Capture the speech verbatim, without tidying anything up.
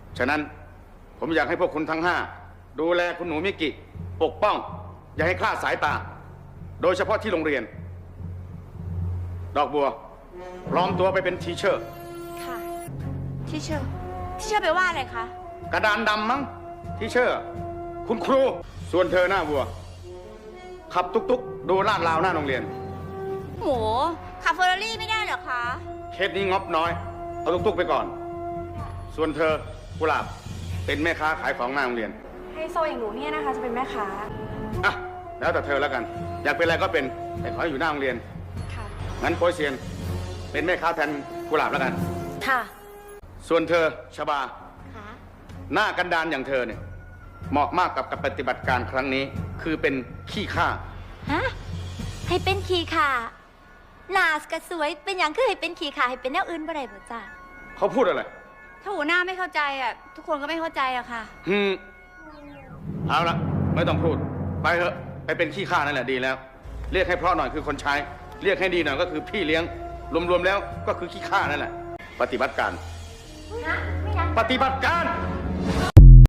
ฉะนั้นผมอยากให้พวกคุณทั้งห้าดูแลคุณหนูมิกิปกป้องอย่าให้คลาดสายตาโดยเฉพาะที่โรงเรียนดอกบัวปลอมตัวไปเป็นทีเชอร์ค่ะทีเชอร์ทีเชอร์แปลว่าอะไรคะกระดานดำมั้งทีเชอร์คุณครูส่วนเธอหน้าบัวขับตุกๆดูลาดราวหน้าโรงเรียนโหขับเฟอร์รารี่ไม่ได้เหรอคะเคสนี้งบน้อยเอาตุกๆไปก่อนส่วนเธอกุหลาบเป็นแม่ค้าขายของหน้าโรงเรียนไฮโซอย่างหนูเนี่ยนะคะจะเป็นแม่ค้าอ่ะแล้วแต่เธอแล้วกันอยากเป็นอะไรก็เป็นแต่ขอให้อยู่หน้าโรงเรียนค่ะงั้นโปยเซียนเป็นแม่ค้าแทนกุหลาบแล้วกันค่ะส่วนเธอชบาค่ะหน้ากันดานอย่างเธอเนี่ยเหมาะมากกับกับปฏิบัติการครั้งนี้คือเป็นขี้ข้าฮะให้เป็นขี้ข่าหน้ากระสวยเป็นอย่างคือให้เป็นขี้ข่าให้เป็นแนวอื่นบ่ได้บ่จ้าเขาพูดอะไรถ้าหัวหน้าไม่เข้าใจอ่ะทุกคนก็ไม่เข้าใจอะค่ะฮึมเอาละไม่ต้องพูดไปเถอะไปเป็นขี้ข้านั่นแหละดีแล้วเรียกให้เพราะหน่อยคือคนใช้เรียกให้ดีหน่อยก็คือพี่เลี้ยงรวมๆแล้วก็คือขี้ข้านั่นแหละปฏิบัติการปฏิบัติการ